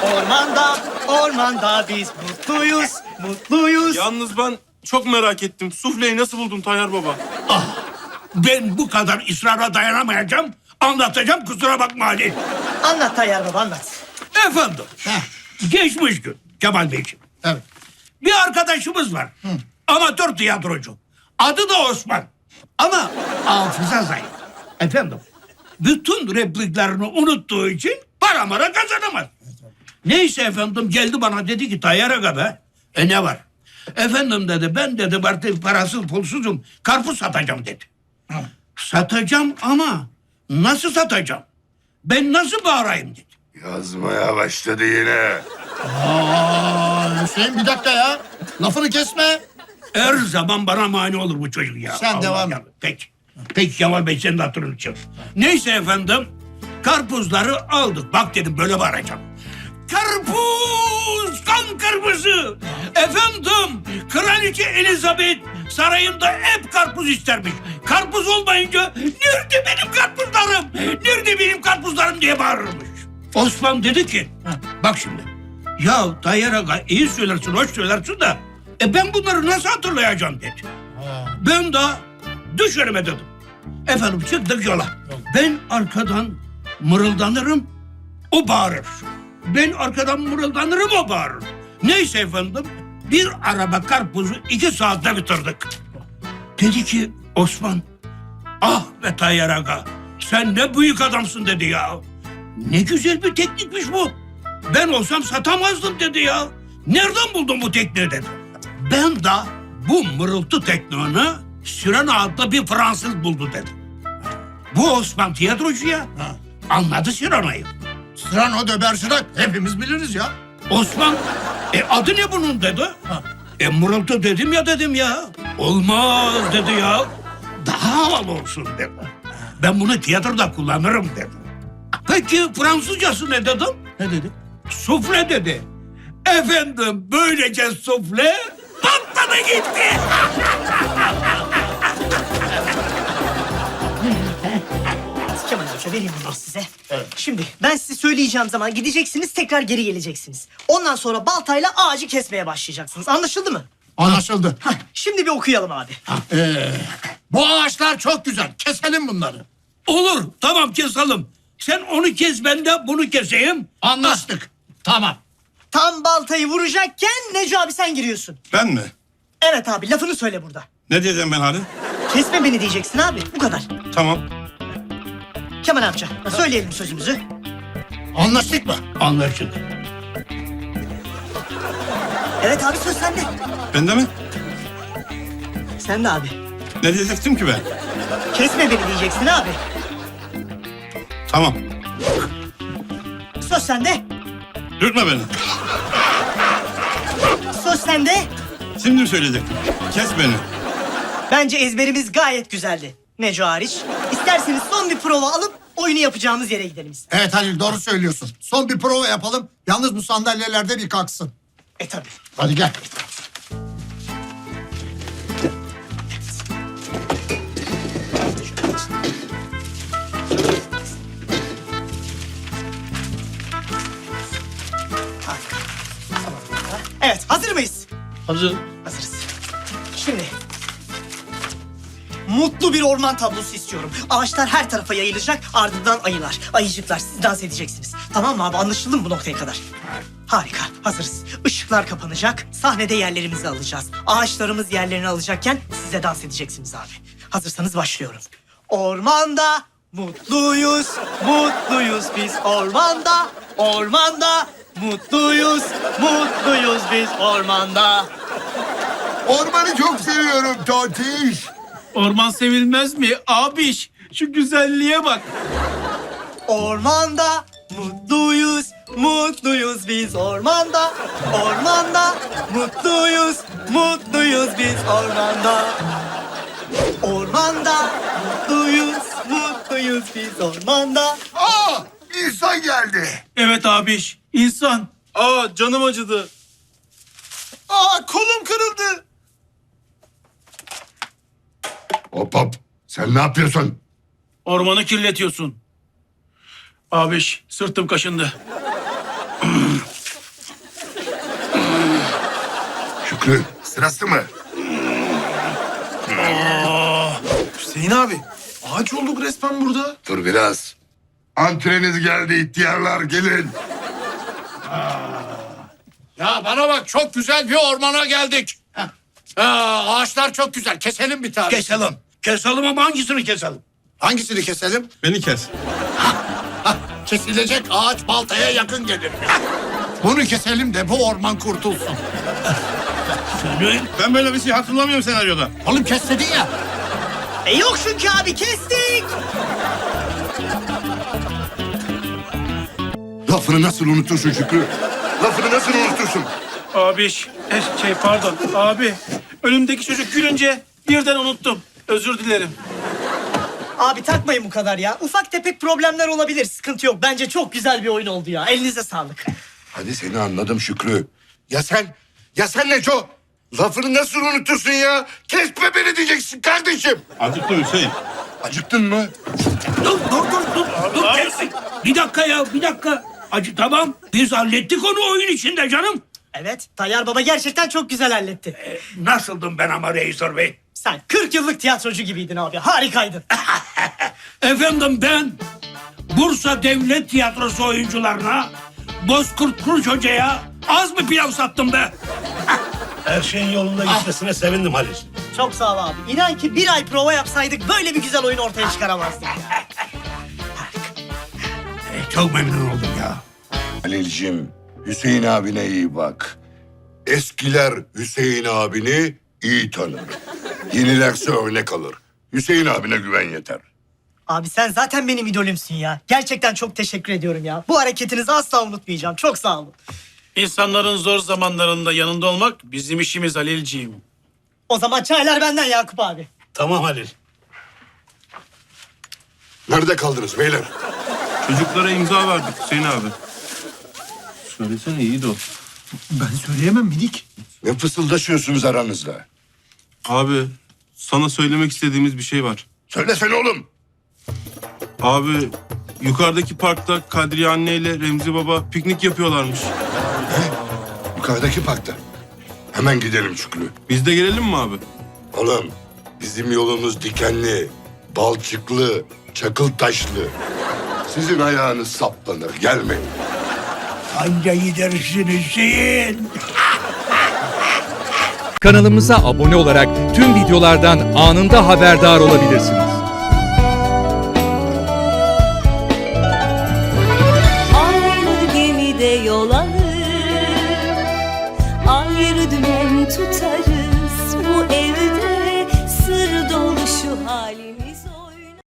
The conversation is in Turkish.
Ormanda, ormanda biz mutluyuz, mutluyuz. Yalnız ben çok merak ettim. Sufleyi nasıl buldun Tayyar Baba? Ben bu kadar ısrara dayanamayacağım. Anlatacağım, kusura bakma Ali. Anlat Tayyar Baba, anlat. Efendim, geçmiş gün Kemal Beyciğim. Evet. Bir arkadaşımız var. Amatör tiyatrocu. Adı da Osman. Ama hafıza zayıf. Efendim, bütün repliklerini unuttuğu için para mara kazanamaz. Neyse efendim, geldi bana dedi ki Tayyar Aga be. Ne var? Efendim dedi, ben dedi artık parasız pulsuzum. Karpuz satacağım dedi. Satacağım ama nasıl satacağım? Ben nasıl bağırayım dedi. Yazmaya başladı yine. Hüseyin bir dakika ya. Lafını kesme. Her zaman bana mani olur bu çocuk ya. Sen devam et. Peki. Peki Kemal Bey, senin hatırın için. Neyse efendim, karpuzları aldık. Bak dedim, böyle bağıracağım. Karpuz kan kırmızı. Efendim, Kraliçe Elizabeth sarayında hep karpuz istermiş. Karpuz olmayınca nerede benim karpuzlarım? Nerede benim karpuzlarım diye bağırırmış. Osman dedi ki, bak şimdi. Ya Tayyar Aga, iyi söylersin, hoş söylersin de ben bunları nasıl hatırlayacağım dedi. Ben de düş önüme dedim. Efendim çıktık yola. Ben arkadan mırıldanırım, o bağırır. Ben arkadan mırıldanırım, o bağırır. Neyse efendim, bir araba karpuzu 2 saatte bitirdik. Dedi ki Osman, ah be Tayyar Aga, sen ne büyük adamsın dedi ya. Ne güzel bir teknikmiş bu. Ben olsam satamazdım dedi ya. Nereden buldun bu tekniği dedi. Ben de bu mırıltı tekniğini Sirena adlı bir Fransız buldu dedi. Bu Osman tiyatrocu ya. Anladı Sirena'yı. Cyrano de Bergerac hepimiz biliriz ya. Osman, adı ne bunun dedi. Mırıltı dedim ya. Olmaz dedi ya. Daha havalı olsun dedi. Ben bunu tiyatroda kullanırım dedi. Peki Fransızcası ne dedim? Ne dedi? Sufle dedi. Efendim, böylece sufle patladı gitti. Kemal amca vereyim bunları size. Şimdi ben size söyleyeceğim zaman gideceksiniz, tekrar geri geleceksiniz. Ondan sonra baltayla ağacı kesmeye başlayacaksınız. Anlaşıldı mı? Anlaşıldı. Hah, şimdi bir okuyalım abi. Bu ağaçlar çok güzel. Keselim bunları. Olur, tamam keselim. Sen onu kes, ben de bunu keseyim. Anlaştık. Tamam. Tam baltayı vuracakken Neco abi sen giriyorsun. Ben mi? Evet abi, lafını söyle burada. Ne diyeceğim ben hadi? Kesme beni diyeceksin abi, bu kadar. Tamam. Kemal amca söyleyelim sözümüzü. Anlaştık mı? Anlaşıldı. Evet abi, söz sende. Ben de mi? Sen de abi. Ne diyecektim ki ben? Kesme beni diyeceksin abi. Tamam. Söz sende. Dürtme beni. Söz sende. Şimdi mi söyleyecektim? Kes beni. Bence ezberimiz gayet güzeldi. Neco hariç. İsterseniz son bir prova alıp oyunu yapacağımız yere gidelim. Evet Halil, doğru söylüyorsun. Son bir prova yapalım. Yalnız bu sandalyelerde bir kalksın. Tabii. Hadi gel. Evet, hazır mıyız? Hazır. Hazırız. Şimdi mutlu bir orman tablosu istiyorum. Ağaçlar her tarafa yayılacak, ardından ayılar, ayıcıklar. Siz dans edeceksiniz. Tamam mı abi? Anlaşıldı mı bu noktaya kadar? Harika, hazırız. Işıklar kapanacak, sahnede yerlerimizi alacağız. Ağaçlarımız yerlerini alacakken siz de dans edeceksiniz abi. Hazırsanız başlıyorum. Ormanda mutluyuz, mutluyuz biz ormanda. Ormanda mutluyuz, mutluyuz biz ormanda. Ormanı çok seviyorum Tontiş. Orman sevilmez mi? Abiş, şu güzelliğe bak. Ormanda mutluyuz, mutluyuz biz ormanda. Ormanda mutluyuz, mutluyuz biz ormanda. Ormanda mutluyuz, mutluyuz biz ormanda. Aa! İnsan geldi. Evet abiş, insan. Aa, canım acıdı. Aa, kolum kırıldı. Hop hop. Sen ne yapıyorsun? Ormanı kirletiyorsun. Abiş, sırtım kaşındı. Şükrü sırası mı? Hüseyin abi. Ağaç olduk resmen burada. Dur biraz. Antreniz geldi ihtiyarlar gelin. Ya bana bak, çok güzel bir ormana geldik. Ağaçlar çok güzel. Keselim bir tane. Keselim. Keselim ama hangisini keselim? Hangisini keselim? Beni kes. Kesilecek ağaç baltaya yakın gelir. Bunu keselim de bu orman kurtulsun. Ben böyle bir şey hatırlamıyorum senaryoda. Oğlum kes dedin ya. Yok çünkü abi kestik. Lafını nasıl unutursun Şükrü? Lafını nasıl unutursun? Abi pardon abi. Önümdeki çocuk gülünce birden unuttum. Özür dilerim. Abi takmayın bu kadar ya. Ufak tefek problemler olabilir. Sıkıntı yok. Bence çok güzel bir oyun oldu ya. Elinize sağlık. Hadi seni anladım Şükrü. Ya sen Neco? Lafını nasıl unutursun ya? Kesme beni diyeceksin kardeşim. Acıktı Hüseyin. Acıktın mı? Dur kestik. Bir dakika ya, bir dakika. Acı tamam. Biz hallettik onu oyun içinde canım. Evet. Tayyar Baba gerçekten çok güzel halletti. Nasıldım ben ama Reisor Bey? Sen 40 yıllık tiyatrocu gibiydin abi. Harikaydın. Efendim ben Bursa Devlet Tiyatrosu oyuncularına Bozkurt Kuruç Hoca'ya az mı pilav sattım be? Her şeyin yolunda gitmesine sevindim Halil. Çok sağ ol abi. İnan ki bir ay prova yapsaydık böyle bir güzel oyun ortaya çıkaramazdık ya. Çok memnun oldum ya. Halil'cim, Hüseyin abine iyi bak. Eskiler Hüseyin abini iyi tanır. Yenilerse örnek alır. Hüseyin abine güven yeter. Abi sen zaten benim idolümsün ya. Gerçekten çok teşekkür ediyorum ya. Bu hareketinizi asla unutmayacağım. Çok sağ olun. İnsanların zor zamanlarında yanında olmak bizim işimiz Halilciğim. O zaman çaylar benden Yakup abi. Tamam Halil. Nerede kaldınız beyler? Çocuklara imza verdik Hüseyin abi. Söylesene iyi de o. Ben söyleyemem minik. Ne fısıldaşıyorsunuz aranızda? Abi sana söylemek istediğimiz bir şey var. Söylesene oğlum. Abi yukarıdaki parkta Kadriye anne ile Remzi baba piknik yapıyorlarmış. Yukarıdaki parkta. Hemen gidelim Şükrü. Biz de gelelim mi abi? Oğlum bizim yolumuz dikenli, balçıklı, çakıl taşlı. Sizin ayağınız saplanır. Gelmeyin. Anca gidersin Hüseyin. Kanalımıza abone olarak tüm videolardan anında haberdar olabilirsiniz. Aynı gemide yol alır, ayrı dümen tutar.